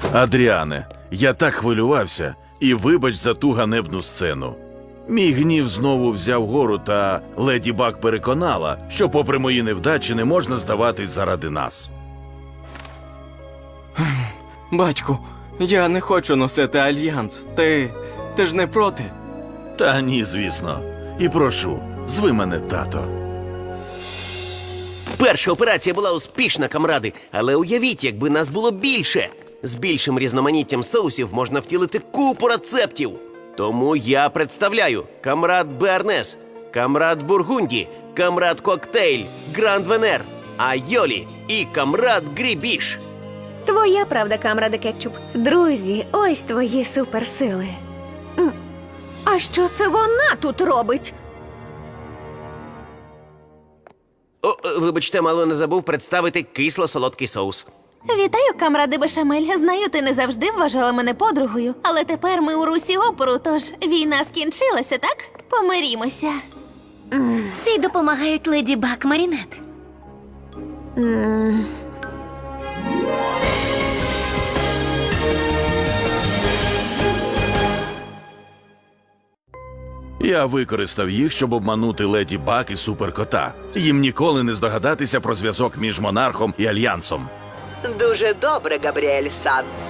Адріане, я так хвилювався, і вибач за ту ганебну сцену. Мій гнів знову взяв гору, та леді Баг переконала, що попри мої невдачі не можна здаватись заради нас. Батьку, я не хочу носити альянс. Ти ж не проти? Та ні, звісно. І прошу, зви мене тато. Перша операція була успішна, камради, але уявіть, якби нас було більше. З більшим різноманіттям соусів можна втілити купу рецептів. Тому я представляю камрад Бернес, камрад Бургунді, камрад Коктейль, Гранд Венер, Айолі і камрад Грібіш. Твоя правда, камраде Кетчуп. Друзі, ось твої суперсили. А що це вона тут робить? Вибачте, мало не забув представити кисло-солодкий соус. Вітаю, камради Бешамель. Знаю, ти не завжди вважала мене подругою, але тепер ми у русі опору, тож війна скінчилася, так? Помирімося. Всі допомагають леді Баг Марінет. Я використав їх, щоб обманути леді Баг і суперкота. Їм ніколи не здогадатися про зв'язок між монархом і альянсом. Дуже добре, Габріель-сан.